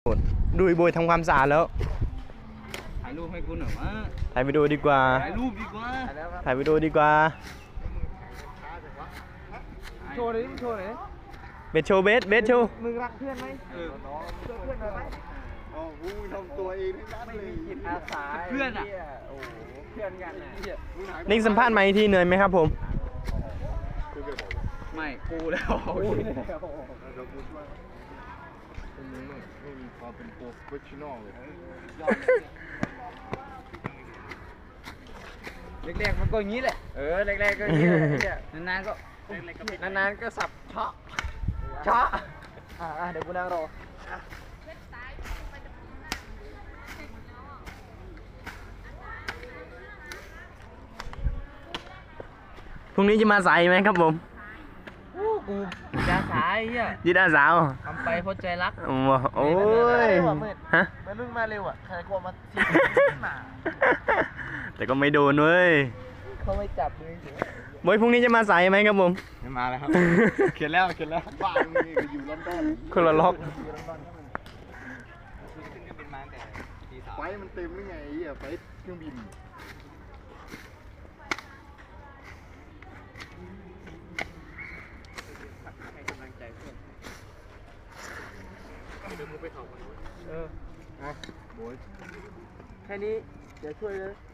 ดูไอ้โบยทำความสะอาดแล้วถ่ายรูปให้คุณหน่อยวะถ่ายวิดีโอดีกว่าถ่ายรูปดีกว่าถ่ายวิดีโอดีกว่าโชว์เลยโชว์เลยเบสโชว์เบสโชว์มึงรักเพื่อนไหมช่วยเพื่อนหน่อยไหมโอ้โหทำตัวเองทั้งนั้นเลยจิตอาสาเพื่อนอ่ะโอ้โหเพื่อนกันนะนิ่งสัมภาษณ์มาอีกทีเหนื่อยไหมครับผมไม่กูแล้วกูแล้วเดี๋ยวกูช่วยเป็นมึงไม่มีความเป็นโปรเฟชชั่นอลเลยแรกๆมันก็อย่างนี้แหละแรกๆก็อย่างนี้แหละนานๆก็นานๆก็สับเชาะเดี๋ยวกูนั่งรอพรุ่งนี้จะมาใส่ไหมครับผมกูยาสายอ่ะยิดอาสาวทำไปเพราะใจรักโอ้ยฮะมันมึงมาเร็วอ่ะใครกลัวมาทีมาแต่ก็ไม่โดนเว้ยเขาไม่จับมือโบยพรุ่งนี้จะมาใส่ไหมครับผมไม่มาแล้วครับ เขียนแล้วบ้านมึงนี่ก็อยู่ลอนดอนคนละล็อกไฟมันเต็มหรือไงไอ้เหี้ยไฟเครื่องบินโอ้ยแค่นี้เดี๋ยวช่วยเลย